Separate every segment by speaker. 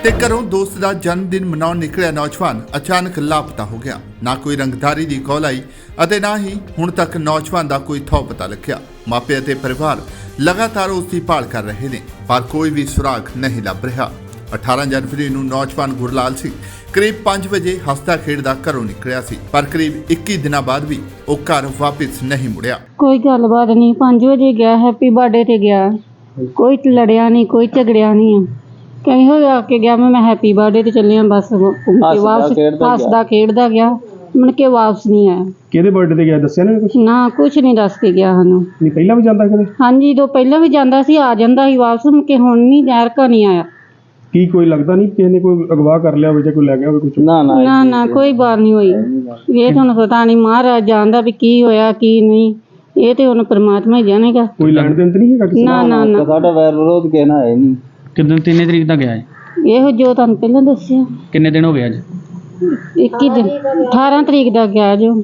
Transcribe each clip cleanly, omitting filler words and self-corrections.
Speaker 1: ਤੇ ਘਰੋਂ ਦੋਸਤ ਦਾ ਜਨਮ ਦਿਨ ਮਨਾਉਣ ਨਿਕਲਿਆ ਨੌਜਵਾਨ ਅਚਾਨਕ ਲਾਪਤਾ ਹੋ ਗਿਆ। ਨਾ ਕੋਈ ਰੰਗਦਾਰੀ ਦੀ ਕਾਲ ਆਈ ਅਤੇ ਨਾ ਹੀ ਹੁਣ ਤੱਕ ਨੌਜਵਾਨ ਦਾ ਕੋਈ ਥੌ ਪਤਾ ਲੱਗਿਆ। ਮਾਪੇ ਅਤੇ ਪਰਿਵਾਰ ਲਗਾਤਾਰ ਉਸ ਦੀ ਭਾਲ ਕਰ ਰਹੇ ਨੇ, ਪਰ ਕੋਈ ਵੀ ਸੁਰਾਗ ਨਹੀਂ ਲੱਭ ਰਿਹਾ। 18 ਜਨਵਰੀ ਨੂੰ ਨੌਜਵਾਨ ਗੁਰਲਾਲ ਸਿੰਘ ਕਰੀਬ 5 ਵਜੇ ਹੱਸਦਾ ਖੇਡਦਾ ਘਰੋਂ ਨਿਕਲਿਆ ਸੀ, ਪਰ ਕਰੀਬ 21 ਦਿਨਾਂ ਬਾਅਦ ਵੀ ਉਹ ਘਰ ਵਾਪਸ ਨਹੀਂ ਮੁੜਿਆ।
Speaker 2: ਕੋਈ ਗੱਲਬਾਤ ਨਹੀਂ, 5 ਵਜੇ ਗਿਆ, ਹੈਪੀ ਬਰਥਡੇ ਤੇ ਗਿਆ, ਕੋਈ ਲੜਿਆ ਨਹੀਂ, ਕੋਈ ਝਗੜਿਆ ਨਹੀਂ। ਕਹੀਂ ਹੋ ਆ ਕੇ ਗਿਆ, ਮੈਂ ਹੈਪੀ ਬਰਥਡੇ ਤੇ ਚੱਲਿਆ, ਬਸ ਵਾਪਸ ਹੱਸਦਾ ਖੇਡਦਾ ਗਿਆ, ਮੁੜ ਕੇ ਵਾਪਸ ਨਹੀਂ ਆਇਆ।
Speaker 3: ਕਿਹਦੇ ਬਰਥਡੇ ਤੇ ਗਿਆ ਦੱਸਿਆ ਨਾ ਕੁਝ?
Speaker 2: ਨਾ ਕੁਝ ਨਹੀਂ ਦੱਸ ਕੇ ਗਿਆ ਸਾਨੂੰ।
Speaker 3: ਨਹੀਂ ਪਹਿਲਾਂ ਵੀ ਜਾਂਦਾ ਕਦੇ?
Speaker 2: ਹਾਂਜੀ, ਦੋ ਪਹਿਲਾਂ ਵੀ ਜਾਂਦਾ ਸੀ, ਆ ਜਾਂਦਾ ਸੀ ਵਾਪਸ, ਮੁੜ ਕੇ ਹੁਣ ਨਹੀਂ, ਜ਼ਹਿਰ ਕਾ ਨਹੀਂ ਆਇਆ।
Speaker 3: ਕੀ ਕੋਈ ਲੱਗਦਾ ਨਹੀਂ ਕਿਸੇ ਨੇ ਕੋਈ ਅਗਵਾ ਕਰ ਲਿਆ ਹੋਵੇ ਜਾਂ ਕੋਈ ਲੈ ਗਿਆ ਹੋਵੇ ਕੁਝ?
Speaker 2: ਨਾ ਕੋਈ ਬਾਤ ਨਹੀਂ ਹੋਈ। ਇਹ ਤੁਹਾਨੂੰ ਪਤਾ ਨਹੀਂ, ਮਹਾਰਾਜ ਜਾਣਦਾ ਵੀ ਕੀ ਹੋਇਆ ਕੀ ਨਹੀਂ, ਇਹ ਤੇ ਹੁਣ ਪ੍ਰਮਾਤਮਾ ਹੀ ਜਾਣੇਗਾ।
Speaker 3: ਕੋਈ ਲੈਣ ਦੇਣ ਤੇ ਨਹੀਂ ਹੈਗਾ ਕਿਸੇ ਨਾਲ?
Speaker 2: ਨਾ
Speaker 4: ਸਾਡਾ ਵੈਰ ਵਿਰੋਧ ਕਹਿਣਾ ਹੈ ਨਹੀਂ।
Speaker 5: ਕਿੰਨੇ 3 ਤਰੀਕ ਦਾ ਗਿਆ ਹੈ?
Speaker 2: ਇਹੋ ਜੋ ਤੁਹਾਨੂੰ ਪਹਿਲਾਂ ਦੱਸਿਆ।
Speaker 5: ਕਿੰਨੇ ਦਿਨ ਹੋ ਗਏ ਅੱਜ?
Speaker 2: 21 ਦਿਨ, 18 ਤਰੀਕ ਦਾ ਗਿਆ ਜੋ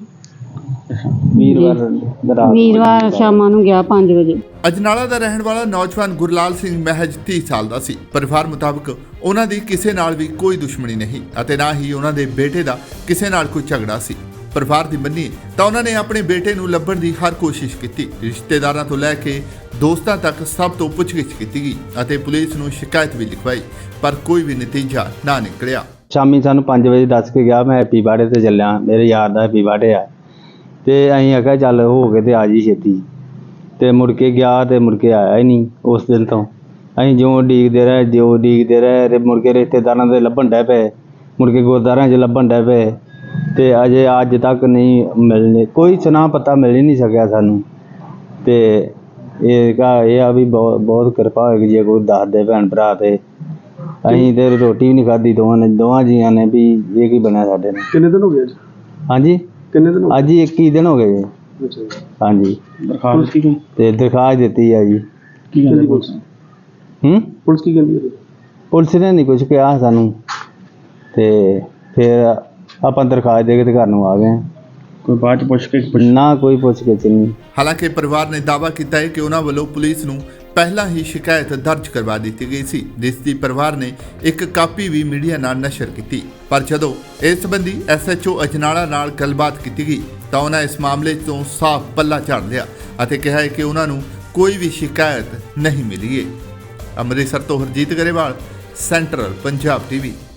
Speaker 2: ਵੀਰਵਾਰ ਸ਼ਾਮਾਂ ਨੂੰ ਗਿਆ 5 ਵਜੇ।
Speaker 1: ਅਜਨਾਲਾ ਦਾ ਰਹਿਣ ਵਾਲਾ ਨੌਜਵਾਨ ਗੁਰਲਾਲ ਸਿੰਘ ਮਹਿਜ 30 ਸਾਲ ਦਾ ਸੀ। ਪਰਿਵਾਰ ਮੁਤਾਬਕ ਉਹਨਾਂ ਦੀ ਕਿਸੇ ਨਾਲ ਵੀ ਕੋਈ ਦੁਸ਼ਮਣੀ ਨਹੀਂ ਅਤੇ ਨਾ ਹੀ ਉਹਨਾਂ ਦੇ ਬੇਟੇ ਦਾ ਕਿਸੇ ਨਾਲ ਕੋਈ ਝਗੜਾ ਸੀ। ਪਰਿਵਾਰ ਦੀ ਮੰਨੀਏ ਤਾਂ ਉਹਨਾਂ ਨੇ ਆਪਣੇ ਬੇਟੇ ਨੂੰ ਲੱਭਣ ਦੀ ਹਰ ਕੋਸ਼ਿਸ਼ ਕੀਤੀ। ਰਿਸ਼ਤੇਦਾਰਾਂ ਤੋਂ ਲੈ ਕੇ ਦੋਸਤਾਂ ਤੱਕ ਸਭ ਤੋਂ ਪੁੱਛਗਿੱਛ ਕੀਤੀ ਗਈ ਅਤੇ ਪੁਲਿਸ ਨੂੰ ਸ਼ਿਕਾਇਤ ਵੀ ਲਿਖਵਾਈ, ਪਰ ਕੋਈ ਵੀ ਨਤੀਜਾ ਨਾ ਨਿਕਲਿਆ।
Speaker 4: ਸ਼ਾਮੀ ਸਾਨੂੰ 5 ਵਜੇ ਦੱਸ ਕੇ ਗਿਆ, ਮੈਂ ਹੈਪੀ ਬਰਥਡੇ ਤੇ ਚੱਲਿਆ, ਮੇਰੇ ਯਾਰ ਦਾ ਹੈਪੀ ਬਰਥਡੇ ਆ। ਤੇ ਅਸੀਂ ਆਖਿਆ ਚੱਲ ਹੋ ਕੇ ਤੇ ਆ ਜੀ ਛੇਤੀ, ਤੇ ਮੁੜ ਕੇ ਗਿਆ ਤੇ ਮੁੜ ਕੇ ਆਇਆ ਹੀ ਨਹੀਂ। ਉਸ ਦਿਨ ਤੋਂ ਅਸੀਂ ਜਿਉਂ ਉਡੀਕਦੇ ਰਹੇ ਤੇ ਮੁੜ ਕੇ ਰਿਸ਼ਤੇਦਾਰਾਂ ਦੇ ਲੱਭਣ ਡੈ ਪਏ, ਮੁੜ ਕੇ ਗੁਰਦੁਆਰਿਆਂ 'ਚ ਲੱਭਣ ਡੈ ਪਏ, ਤੇ ਅਜੇ ਅੱਜ ਤੱਕ ਨਹੀਂ ਮਿਲਣੇ, ਕੋਈ ਸੁਨਾ ਪਤਾ ਮਿਲ ਹੀ ਨਹੀਂ ਸਕਿਆ ਸਾਨੂੰ। ਤੇ ਇਹ ਆ ਵੀ ਬਹੁਤ ਕਿਰਪਾ ਹੋਏਗੀ ਜੇ ਕੋਈ ਦੱਸ ਦੇ ਭੈਣ ਭਰਾ। ਤੇ ਅਸੀਂ ਤੇ ਰੋਟੀ ਵੀ ਨਹੀਂ ਖਾਧੀ ਦੋਵਾਂ ਜੀਆਂ ਨੇ ਵੀ ਇਹ ਕੀ ਬਣਿਆ ਸਾਡੇ ਨਾਲ।
Speaker 3: ਕਿੰਨੇ ਦਿਨ ਹੋ ਗਏ ਅੱਜ?
Speaker 4: ਹਾਂਜੀ,
Speaker 3: ਕਿੰਨੇ ਦਿਨ ਹੋ
Speaker 4: ਅੱਜ ਹੀ 21 ਦਿਨ ਹੋ ਗਏ ਜੀ।
Speaker 3: ਅੱਛਾ ਜੀ।
Speaker 4: ਹਾਂਜੀ,
Speaker 3: ਦਰਖਾਸਤ ਕੀ
Speaker 4: ਤੇ ਦਰਖਾਸਤ ਦਿੱਤੀ ਆ ਜੀ।
Speaker 3: ਕੀ ਕਹਿੰਦੀ ਪੁਲਿਸ? ਪੁਲਿਸ ਕੀ ਕਹਿੰਦੀ ਹੈ?
Speaker 4: ਪੁਲਿਸ ਨੇ ਨਹੀਂ ਕੁਝ ਕਿਹਾ ਸਾਨੂੰ, ਤੇ ਫਿਰ ਆਪਾਂ ਦਰਖਾਸਤ ਦੇ ਕੇ ਤੇ ਘਰ ਨੂੰ ਆ ਗਏ।
Speaker 3: ਕੋਈ ਬਾਅਦ ਚ ਪੁੱਛ ਕੇ
Speaker 4: ਨਾ ਕੋਈ ਪੁੱਛ ਕੇ ਨਹੀਂ।
Speaker 1: ਹਾਲਾਂਕਿ ਪਰਿਵਾਰ ਨੇ ਦਾਅਵਾ ਕੀਤਾ ਹੈ ਕਿ ਉਹਨਾਂ ਵੱਲੋਂ ਪੁਲਿਸ ਨੂੰ ਪਹਿਲਾਂ ਹੀ ਸ਼ਿਕਾਇਤ ਦਰਜ ਕਰਵਾ ਦਿੱਤੀ ਗਈ ਸੀ, ਜਿਸ ਦੀ ਪਰਿਵਾਰ ਨੇ ਇੱਕ ਕਾਪੀ ਵੀ ਮੀਡੀਆ ਨਾਲ ਨਸ਼ਰ ਕੀਤੀ। ਪਰ ਜਦੋਂ ਇਸ ਸੰਬੰਧੀ SHO ਅਜਨਾਲਾ ਨਾਲ ਗੱਲਬਾਤ ਕੀਤੀ ਗਈ ਤਾਂ ਉਹਨਾਂ ਇਸ ਮਾਮਲੇ ਤੋਂ ਸਾਫ਼ ਪੱਲਾ ਝਾੜ ਲਿਆ ਅਤੇ ਕਿਹਾ ਹੈ ਕਿ ਉਹਨਾਂ ਨੂੰ ਕੋਈ ਵੀ ਸ਼ਿਕਾਇਤ ਨਹੀਂ ਮਿਲੀ ਹੈ। ਅੰਮ੍ਰਿਤਸਰ ਤੋਂ ਹਰਜੀਤ ਗਰੇਵਾਲ, ਸੈਂਟਰਲ ਪੰਜਾਬ TV।